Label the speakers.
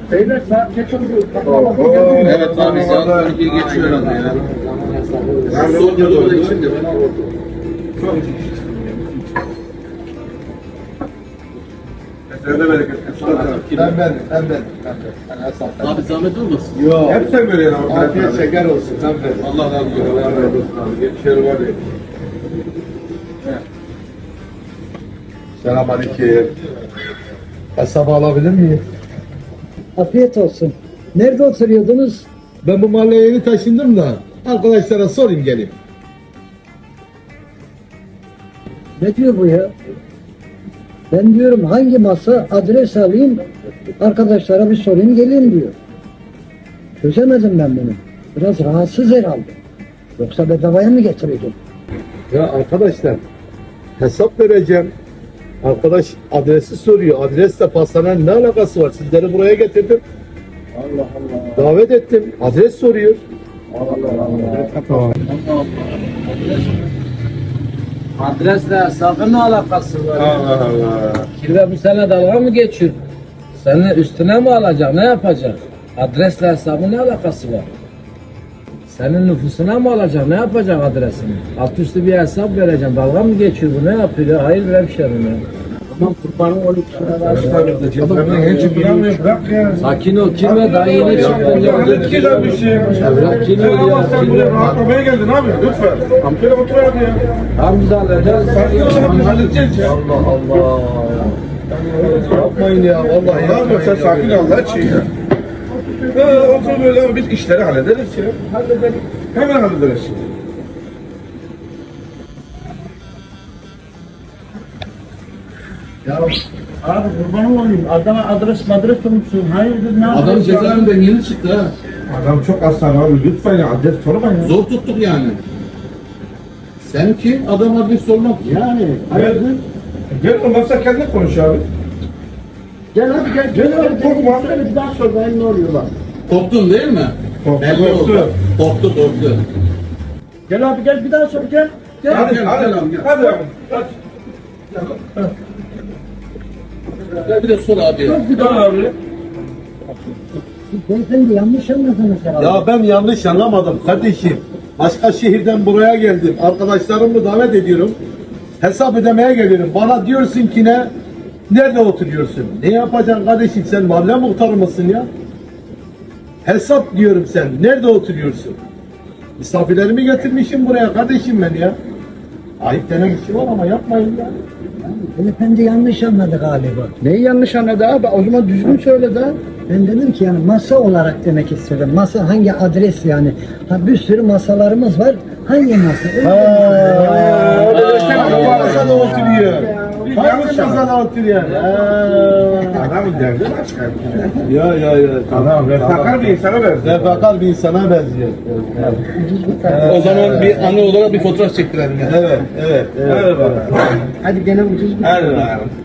Speaker 1: Beyler saat geç oldu.
Speaker 2: Evet abi saat 12'yi geçiyor herhalde ya. Son yolu da içinde.
Speaker 3: Kesene bereket.
Speaker 2: Ben. Abi zahmet olmasın.
Speaker 3: Yok. Hep sen böyle yani.
Speaker 1: Afiyet şeker olsun. Sen ver.
Speaker 2: Allah razı olsun.
Speaker 3: Allah razı olsun abi. Geçişleri var ya. Selamünaleyküm.
Speaker 1: Hesabı alabilir miyim?
Speaker 4: Afiyet olsun. Nerede oturuyordunuz?
Speaker 1: Ben bu mahalleye yeni taşındım da arkadaşlara sorayım geleyim.
Speaker 4: Ne diyor bu ya? Ben diyorum hangi masa adres alayım arkadaşlara bir sorayım geleyim diyor. Çözemedim ben bunu. Biraz rahatsız herhalde. Yoksa bedavaya mı getiriyordun?
Speaker 1: Ya arkadaşlar hesap vereceğim. Arkadaş adresi soruyor. Adresle pastanın ne alakası var? Sizleri buraya getirdim.
Speaker 4: Allah Allah.
Speaker 1: Davet ettim. Adres soruyor.
Speaker 5: Adresle hesabın ne alakası var?
Speaker 3: Allah Allah.
Speaker 5: Kirve bu sene dalga mı geçiyor? Seni üstüne mi alacak? Ne yapacak? Adresle hesabın ne alakası var? Senin nüfusuna mı alacak? Ne yapacak adresini? Alt üstü bir hesap vereceğim. Dalga mı geçiyor bu? Ne yapıyor ya? Hayır ver bir şey mi? Tamam kurbanın 12
Speaker 3: Bırak ya.
Speaker 5: Sakin ol. Kirve daha yeni çıktın ya.
Speaker 3: Güzel bir şey.
Speaker 5: Sakin
Speaker 3: Sen
Speaker 5: ol
Speaker 3: ama
Speaker 5: ya.
Speaker 3: sen buraya rahatlamaya geldin abi. Lütfen. Şöyle otur abi ya.
Speaker 5: Tamam biz hallederiz.
Speaker 3: Sen halledeceğiz ya.
Speaker 1: Allah Allah. Yapmayın ya. Vallahi
Speaker 3: Ne yapıyorsun sen sakin ol Allah için ya. Otur böyle ama biz işleri hallederiz ya. Hallederiz. Hemen hallederiz.
Speaker 6: Abi kurban olayım. Adama adres unutsun. Hayırdır ne
Speaker 2: Adam
Speaker 6: yapıyorsun?
Speaker 2: cezaevinden yeni çıktı ha.
Speaker 3: Adam çok aslan abi. Lütfen ya adres sorma ya.
Speaker 2: Zor tuttuk yani. Sen ki adam adres sormak.
Speaker 6: Yani
Speaker 3: Gel. Gel olmazsa kendin konuş abi.
Speaker 6: gel hadi gel.
Speaker 3: Gel abi, korkma.
Speaker 6: Söyle bir daha sor ben ne oluyor bak.
Speaker 2: Korktun değil mi?
Speaker 3: Korktu,
Speaker 2: Belli
Speaker 3: korktu.
Speaker 2: oldu. Korktu.
Speaker 6: Gel abi gel bir daha sor gel.
Speaker 3: Hadi
Speaker 2: gel,
Speaker 3: hadi.
Speaker 2: gel abi, gel.
Speaker 3: Hadi abi.
Speaker 2: Gel bir de sor abi.
Speaker 3: Bir daha abi.
Speaker 4: Beyefendi yanlış anladınız herhalde.
Speaker 1: Ya ben yanlış anlamadım kardeşim. Başka şehirden buraya geldim. Arkadaşlarımı davet ediyorum. Hesap ödemeye geliyorum. Bana diyorsun ki ne? Nerede oturuyorsun? Ne yapacaksın kardeşim? Sen mahalle muhtarı mısın ya? Hesap diyorum sen. Nerede oturuyorsun? Misafirlerimi getirmişim buraya kardeşim ben ya. Ayıp denen bir şey var ama yapmayın ya.
Speaker 4: Beyefendi yanlış anladı galiba.
Speaker 6: Neyi yanlış anladı abi? O zaman düzgün söyle de.
Speaker 4: Ben dedim ki yani masa olarak demek istedim. Masa hangi adres yani? Ha bir sürü masalarımız var. Hangi masa?
Speaker 1: Hangi masada oturuyor? Hangi
Speaker 3: Yanlış
Speaker 1: masada oturuyor?
Speaker 3: Adamın derdi başka.
Speaker 1: Ya.
Speaker 3: Adam refakar bir insana benziyor.
Speaker 1: Refakar bir insana benziyor.
Speaker 2: O zaman bir anı olarak bir fotoğraf çektirelim yani.
Speaker 1: Evet.
Speaker 3: Hadi bakalım.
Speaker 4: Hadi gene ucuz bir
Speaker 3: Hadi bakalım.